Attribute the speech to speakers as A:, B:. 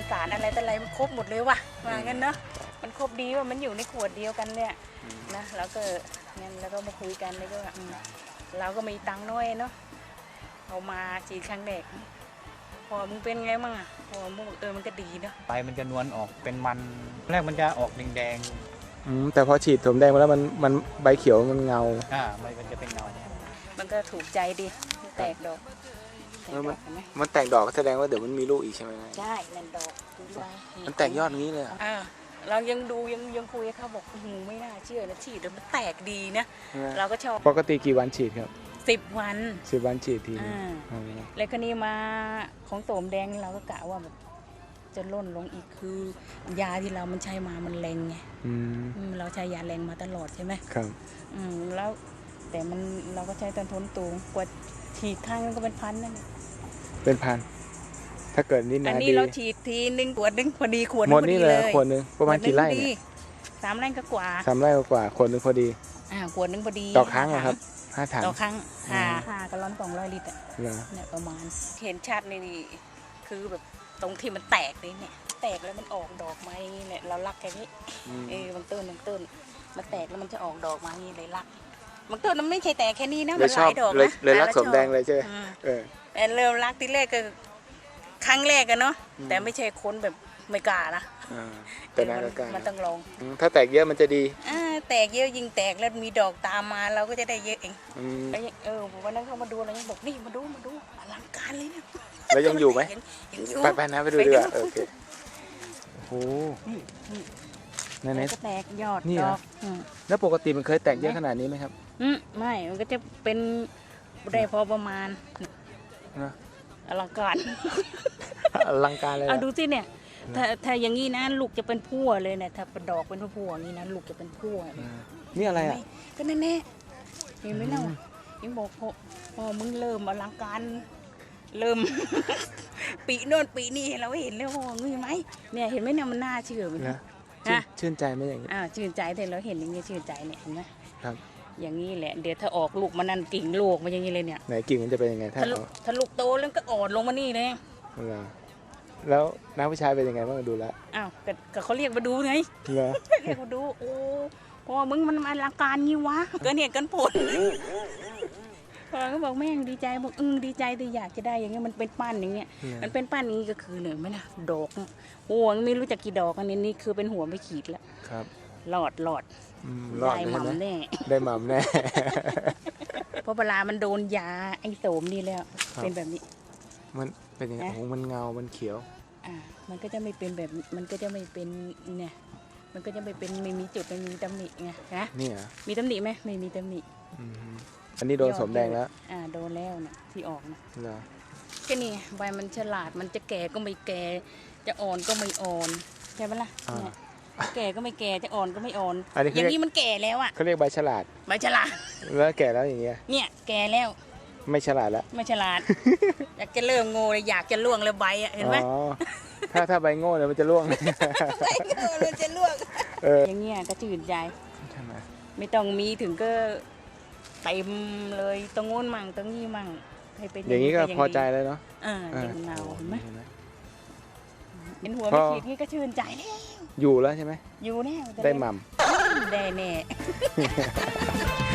A: สารอะไรแต่อะไรมันครบหมดเลยว่ะว่างั้นเนาะมันครบดีว่ามันอยู่ในขวดเดียวกันเนี่ยนะแล้วก็งั้นแล้วก็มาคุยกันแล้วก็เราก็มีตังค์น้อยเนาะเอามาฉีดครั้งแรกพอมึงเป็นไงมั่งอ่ะพอมึงมันก็ดีเนาะ
B: ใบมันจะนวลออกเป็นมันแรกมันจะออกแดง
C: แต่พอฉีดสมแดงมาแล้วมันใบเขียวมันเงา
B: ใบมันจะเป็นเงา
A: มันก็ถูกใจดีแตกดอก
C: มันแตกดอกแสดงว่าเดี๋ยวมันมีลูกอีกใช่ไหม
A: ใช่นั่นดอก
C: มันแตกยอดนี้เลย
A: เรายังดูยังคุยเขาบอกไม่น่าเชื่อนะฉีดแล้วมันแตกดีนะเราก็ชอบ
C: ปกติกี่วันฉีดครับ
A: 10 วัน
C: 10 วันฉีดที
A: แล้วก็นี่มาของโสมแดงเราก็กะว่าแบบจะล่นลงอีกคือยาที่เรามันใช้มามันแรงไงเราใช้ยาแรงมาตลอดใช่ไหม
C: ครับ
A: แล้วแต่มันเราก็ใช้ต้นทุนสูงกว่าฉีดครั้งนึงก็เป็นพันนั่น
C: เป็นพันถ้าเกิดนี่นะ
A: อันนี้เราฉีดทีนึงขวดนึงพอดีขวด
C: หมดนี่เลยขวดนึงประมาณกี่ไร่เนี่ย
A: 3 ไร่ก็กว่า
C: 3 ไร่กว่าขวดนึงพอดี
A: ขวดนึงพอดี
C: ต่อครั้งนะครับ5 ถัง
A: ต่อครั้ง5 กะลอน200 ลิตรเนี่ยประมาณเห็นชัดนี่คือแบบตรงที่มันแตกเลยเนี่ยแตกแล้วมันออกดอกมาอย่างนี้เนี่ยเรารักแค่นี้บางต้นมันแตกแล้วมันจะออกดอกมาอย่างนี้เลยรักบางต้นมันไม่ใช่แตกแค่นี้นะมันหลายดอกนะ
C: เลยรักสมแดงเลยใช่ไหม
A: เริ่มรักที่แรกก็ครั้งแรกกันเนาะแต่ไม่ใช่คนแบบไม่กล้านะ
C: แต่
A: มันต้องลอง
C: ถ้าแตกเยอะมันจะดี
A: แตกเยอะยิ่งแตกแล้วมีดอกตามมาเราก็จะได้เยอะเองวันนั้นเขามาดูเรายังบอกนี่มาดูอลังการเลยเนี่ย
C: แล้วยังอยู่ไหมไปนะไปดูดีกว่าโอเคโอ้
A: นั่นก็แตกยอดดอก
C: แล้วปกติมันเคยแตกเยอะขนาดนี้ไหมครับ
A: ไม่มันก็จะเป็นได้พอประมาณอลังการ
C: เลย
A: ดูสิเนี่ยถ้าอย่างนี้นะลูกจะเป็นพั่วเลยเนี่ยถ้าเป็นดอกเป็นพั่วอย่างนี้นะลูกจะเป็นพั่ว
C: นี่อะไร
A: ก็แน่เห็นไหมเนาะยังบอกพอมึงเริ่มอลังการเริ่มปีโน่นปีนี้เราเห็นแล้วพองี้ไหมเนี่ยเห็นไหมเนี่ยมันน่าเชื่อมัน
C: นะชื่นใจไหมอย่างนี้
A: ชื่นใจแต่เราเห็นอย่างนี้ชื่นใจเนี่ยเห็นไหม
C: ครับ
A: อย่างนี้แหละเดี๋ยวถ้าออกลูกมันนั่นกิ่งลูกมันอย่างนี้เลยเนี่ย
C: ไหนกิ่งมันจะเป็นยังไง
A: ถ้าลูกโตแล้วก็อ่อนลงมานี่เลย
C: แล้วน้าผู้ชายเป็นยังไงบ้างดูแล
A: ก็เขาเรียกมาดูไงเรียกมาดูโอ้พอมึงมันอลังการงี้วะเกินเหตุกันผลพอก็บอกแม่งดีใจบอกดีใจแต่อยากจะได้อย่างเงี้ยมันเป็นปั้นอย่างเงี้ยมันเป็นปั้นนี้ก็คือเนี่ยไม่นะดอกหัวไม่รู้จักกี่ดอกอันนี้คือเป็นหัวไม่ขีดแล้ว
C: ครับ
A: หลอดได้หม่ำแน่
C: ได้หม่ำแน่
A: เพราะเวลามันโดนยาไอ้โสมนี่แล้วเป็นแบบนี้
C: มันเป็นยังไงมันเงามันเขียว
A: มันก็จะไม่เป็นแบบมันก็จะไม่เป็นเนี่ยมันก็จะไม่เป็นไม่มีจุดไม่มีตำหนิไงนะ
C: นี่
A: มีตำหนิไหมไม่มีตำหนิ
C: อันนี้โดนสมแดงแล้ว
A: โดนแล้วนะที่ออกนะก็นี่ใบมันฉลาดมันจะแก่ก็ไม่แก่จะอ่อนก็ไม่อ่อนใช่ไหมล่ะเนี่ยแก่ก็ไม่แก่จะอ่อนก็ไม่อ่อนอย่างนี้มันแก่แล้วอ่ะ
C: เขาเรียกใบฉลาดแล้วแก่แล้วอย่างเงี้ย
A: เนี่ยแก่แล้ว
C: ไม่ฉลาดแล้ว
A: ไม่ฉลาดอยากจะเริ่มโง่เลยอยากจะล่วงเลยใบอ่ะเห็นไหม
C: ถ้าใบโง่เนี่ยมันจะล่วง
A: ใบโง่มันจะล่วงอย่างเงี้ยก็จืดใจ
C: ใช่ไหม
A: ไม่ต้องมีถึงก็เต็มเลยตรงโน้นมั่งตรงนี้มั่ง
C: ให้เป็นอย่างนี้ก็พอใจเลยเนาะ
A: อย่างเงาเห็นไหมเห็นหัวไม่ขีดนี่ก็ชื่นใจแล้ว
C: อยู่แล้วใช่ไหม
A: อยู่แน่
C: ได้หม่ำ
A: ได้แน่